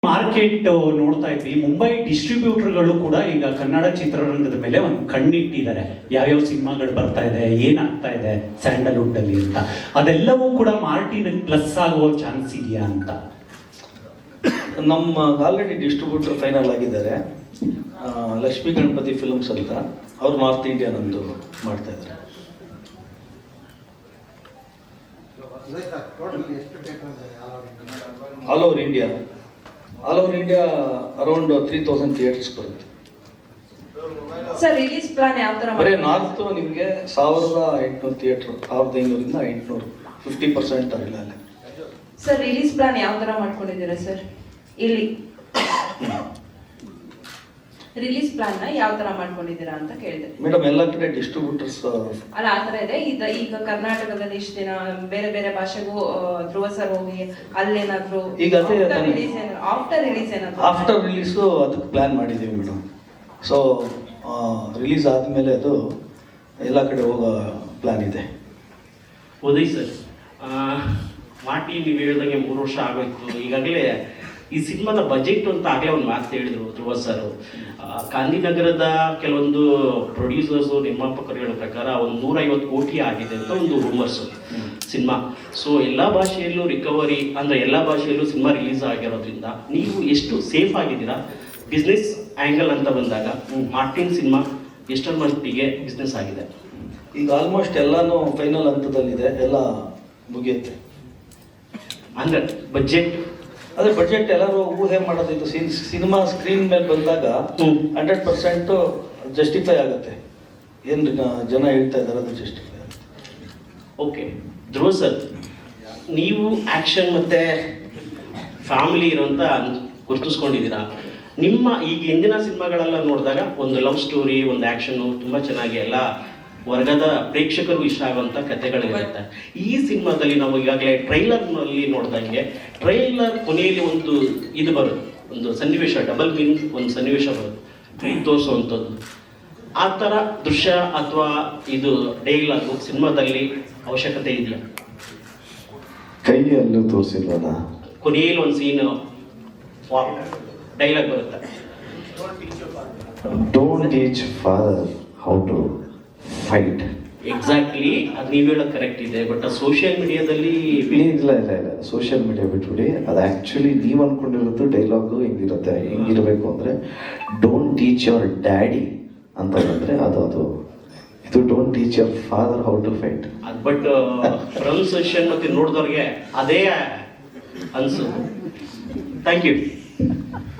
Market ನೋಡ್ತಾ ಇದ್ವಿ. ಮುಂಬೈ ಡಿಸ್ಟ್ರಿಬ್ಯೂಟರ್ಗಳು ಕೂಡ ಈಗ ಕನ್ನಡ ಚಿತ್ರರಂಗದ ಮೇಲೆ ಒಂದು ಕಣ್ಣಿಟ್ಟಿದ್ದಾರೆ. ಯಾವ್ಯಾವ ಸಿನಿಮಾಗಳು ಬರ್ತಾ ಇದೆ, ಏನಾಗ್ತಾ ಇದೆ ಸ್ಯಾಂಡಲ್ವುಡ್ ಅಲ್ಲಿ ಅಂತ. ಅದೆಲ್ಲವೂ ಕೂಡ ಮಾರ್ಟಿನ್ ಪ್ಲಸ್ ಆಗುವ ಚಾನ್ಸ್ ಇದೆಯಾ ಅಂತ. ನಮ್ಮ ಆಲ್ರೆಡಿ ಡಿಸ್ಟ್ರಿಬ್ಯೂಟರ್ ಫೈನಲ್ ಆಗಿದ್ದಾರೆ. ಲಕ್ಷ್ಮೀ ಗಣಪತಿ ಫಿಲ್ಮ್ಸ್ ಅಂತ, ಅವ್ರು ನಾರ್ತ್ ಇಂಡಿಯನ್ ಒಂದು ಮಾಡ್ತಾ ಇದ್ದಾರೆ. All over India around 3000 theatres ಬರುತ್ತೆ. ಸರ್ ರಿಲೀಸ್ ಪ್ಲಾನ್ ಯಾವ ತರ? ಬರೀ ನಾರ್ತ್ ನಿಮಗೆ 1800 ಥಿಯೇಟರ್, 1500 500, 50% ಆಗಿಲ್ಲ ಅಲ್ಲೇ. ಸರ್ ರಿಲೀಸ್ ಪ್ಲಾನ್ ಯಾವ ತರ ಮಾಡ್ಕೊಂಡಿದ್ದೀರಾ ಸರ್? ಇಲ್ಲಿ ರಿಲೀಸ್ ಪ್ಲಾನ್ ನ ಯಾವ ತರ ಮಾಡ್ಕೊಂಡಿದ್ದೀರಾ ಅಂತ ಕೇಳಿದೆ ಮೇಡಮ್. ಎಲ್ಲ ಕಡೆ ಡಿಸ್ಟ್ರಿಬ್ಯೂಟರ್ಸ್ ಅಲ್ಲ ಆ ತರ ಇದೆ. ಈಗ ಕರ್ನಾಟಕದಲ್ಲಿ ಇಷ್ಟು ದಿನ ಬೇರೆ ಬೇರೆ ಭಾಷೆಗೂ ಧ್ರುವ ಸರ್ ಹೋಗಿ ಅಲ್ಲೇನಾದ್ರು ಈಗ ಅದೇ ಆಫ್ಟರ್ ರಿಲೀಸ್ ಏನಾದ್ರು ಆಫ್ಟರ್ ರಿಲೀಸು ಅದಕ್ಕೆ ಪ್ಲಾನ್ ಮಾಡಿದ್ದೀವಿ ಮೇಡಮ್. ಸೊ ರಿಲೀಸ್ ಆದಮೇಲೆ ಅದು ಎಲ್ಲ ಕಡೆ ಹೋಗೋ ಪ್ಲಾನ್ ಇದೆ. ಉದಯ್ ಸರ್, ಮಾಟಿ ನೀವು ಹೇಳ್ದಂಗೆ 3 ವರ್ಷ ಆಗೋಯ್ತು. ಈಗಾಗಲೇ ಈ ಸಿನಿಮಾದ ಬಜೆಟ್ ಅಂತ ಆಗಲೇ ಒಂದು ಮಾತು ಹೇಳಿದ್ರು ಧ್ರುವ ಸರ್. ಗಾಂಧಿನಗರದ ಕೆಲವೊಂದು ಪ್ರೊಡ್ಯೂಸರ್ಸು ನಿರ್ಮಾಪಕರು ಹೇಳೋ ಪ್ರಕಾರ ಒಂದು 150 ಕೋಟಿ ಆಗಿದೆ ಅಂತ ಒಂದು ರೂಮರ್ಸು ಸಿನಿಮಾ. ಸೊ ಎಲ್ಲ ಭಾಷೆಯಲ್ಲೂ ರಿಕವರಿ ಅಂದರೆ ಎಲ್ಲ ಭಾಷೆಯಲ್ಲೂ ಸಿನಿಮಾ ರಿಲೀಸ್ ಆಗಿರೋದ್ರಿಂದ ನೀವು ಎಷ್ಟು ಸೇಫ್ ಆಗಿದ್ದೀರಾ ಬಿಸ್ನೆಸ್ ಆ್ಯಂಗಲ್ ಅಂತ ಬಂದಾಗ? ಮಾರ್ಟಿನ್ ಸಿನಿಮಾ ಎಷ್ಟರ ಮಟ್ಟಿಗೆ ಬಿಸ್ನೆಸ್ ಆಗಿದೆ? ಈಗ ಆಲ್ಮೋಸ್ಟ್ ಎಲ್ಲಾನು ಫೈನಲ್ ಹಂತದಲ್ಲಿದೆ, ಎಲ್ಲ ಮುಗಿಯುತ್ತೆ. ಅಂದರೆ ಬಜೆಟ್, ಅದೇ ಬಜೆಟ್ ಎಲ್ಲರೂ ಊಹೆ ಮಾಡೋದಿತ್ತು. ಸಿನಿಮಾ ಸ್ಕ್ರೀನ್ ಮೇಲೆ ಬಂದಾಗ 100% ಜಸ್ಟಿಫೈ ಆಗುತ್ತೆ. ಏನು ಜನ ಹೇಳ್ತಾ ಇದ್ದಾರೆ ಅದು ಜಸ್ಟಿಫೈ ಆಗುತ್ತೆ. ಓಕೆ ಧ್ರುವ ಸರ್, ನೀವು ಆ್ಯಕ್ಷನ್ ಮತ್ತು ಫ್ಯಾಮಿಲಿ ಇರೋಂಥ ಗುರುತಿಸ್ಕೊಂಡಿದ್ದೀರಾ. ನಿಮ್ಮ ಈಗ ಹಿಂದಿನ ಸಿನಿಮಾಗಳೆಲ್ಲ ನೋಡಿದಾಗ ಒಂದು ಲವ್ ಸ್ಟೋರಿ, ಒಂದು ಆ್ಯಕ್ಷನು ತುಂಬ ಚೆನ್ನಾಗಿ ಎಲ್ಲ ವರ್ಗದ ಪ್ರೇಕ್ಷಕರು ಇಷ್ಟ ಆಗುವಂಥ ಕಥೆಗಳಿರುತ್ತೆ. ಈ ಸಿನಿಮಾದಲ್ಲಿ ನಾವು ಈಗಾಗಲೇ ಟ್ರೈಲರ್ನಲ್ಲಿ ನೋಡ್ದಂಗೆ ಟ್ರೈಲರ್ ಕೊನೆಯಲ್ಲಿ ಒಂದು ಇದು ಬರುತ್ತೆ, ಒಂದು ಸನ್ನಿವೇಶ, ಡಬಲ್ ಮೀನಿಂಗ್ ಒಂದು ಸನ್ನಿವೇಶ ಬರುತ್ತೆ, ಕೈ ತೋರಿಸುವಂಥದ್ದು. ಆ ಥರ ದೃಶ್ಯ ಅಥವಾ ಇದು ಡೈಲಾಗು ಸಿನಿಮಾದಲ್ಲಿ ಅವಶ್ಯಕತೆ ಇದೆಯಾ? ಕೈಯಲ್ಲೂ ತೋರಿಸಿಲ್ವಲ್ಲ, ಕೊನೆಯಲ್ಲಿ ಒಂದು ಸೀನ್ ಡೈಲಾಗ್ ಬರುತ್ತೆ, don't teach father how to fight. Exactly ಅದು ನೀವು ಹೇಳೋದು ಕರೆಕ್ಟ್ ಇದೆ. ಬಟ್ ಸೋಷಿಯಲ್ ಮೀಡಿಯಾದಲ್ಲಿ ಇಲ್ಲ ಸೋಷಿಯಲ್ ಮೀಡಿಯಾ ಬಿಟ್ಬಿಡಿ. ಅದು ಆ್ಯಕ್ಚುಲಿ ನೀವು ಅಂದ್ಕೊಂಡಿರೋದು ಡೈಲಾಗು ಹೆಂಗಿರುತ್ತೆ, ಹೆಂಗಿರಬೇಕು ಅಂದರೆ ಡೋಂಟ್ ಟೀಚ್ ಯುವರ್ ಡ್ಯಾಡಿ ಅಂತ ಬಂದರೆ ಅದು ಇದು don't teach your father how to fight. But pronunciation ಮತ್ತೆ ನೋಡಿದವ್ರಿಗೆ ಅದೇ ಅನ್ಸು. Thank you.